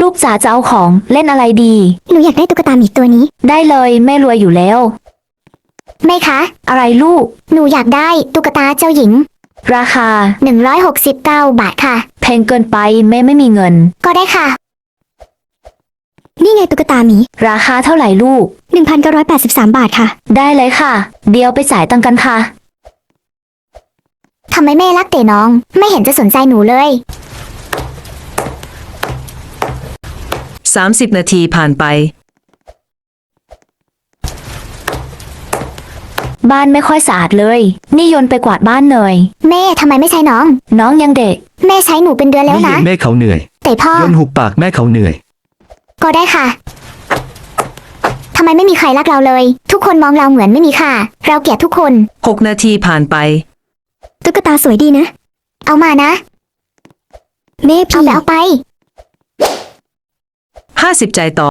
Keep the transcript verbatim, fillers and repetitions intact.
ลูกจ๋าจะเอาของเล่นอะไรดีหนูอยากได้ตุ๊กตาหมีตัวนี้ได้เลยแม่รวยอยู่แล้วแม่คะอะไรลูกหนูอยากได้ตุ๊กตาเจ้าหญิงราคาหนึ่งร้อยหกสิบเก้าบาทค่ะแพงเกินไปแม่ไม่มีเงินก็ได้ค่ะ นี่ไงตุ๊กตาหมีราคาเท่าไหร่ลูกหนึ่งพันเก้าร้อยแปดสิบสามบาทค่ะได้เลยค่ะ เดี๋ยวไปจ่ายตังค์กันค่ะทำไมแม่รักแต่น้อง ไม่เห็นจะสนใจหนูเลยสามสิบนาทีผ่านไปบ้านไม่ค่อยสะอาดเลย นี่โยนไปกวาดบ้านหน่อยแม่ทำไมไม่ใช้น้องน้องยังเด็กแม่ใช้หนูเป็นเดือนแล้วไม่นะเห็นแม่เขาเหนื่อยแต่พ่อโยนหุบปากแม่เขาเหนื่อยก็ได้ค่ะ ทำไมไม่มีใครรักเราเลย ทุกคนมองเราเหมือนไม่มีค่า เราเกลียดทุกคนหกนาทีผ่านไปตุ๊กตาสวยดีนะ เอามานะ แม่พี่เอาไปเอาไปห้าสิบจ่ายต่อ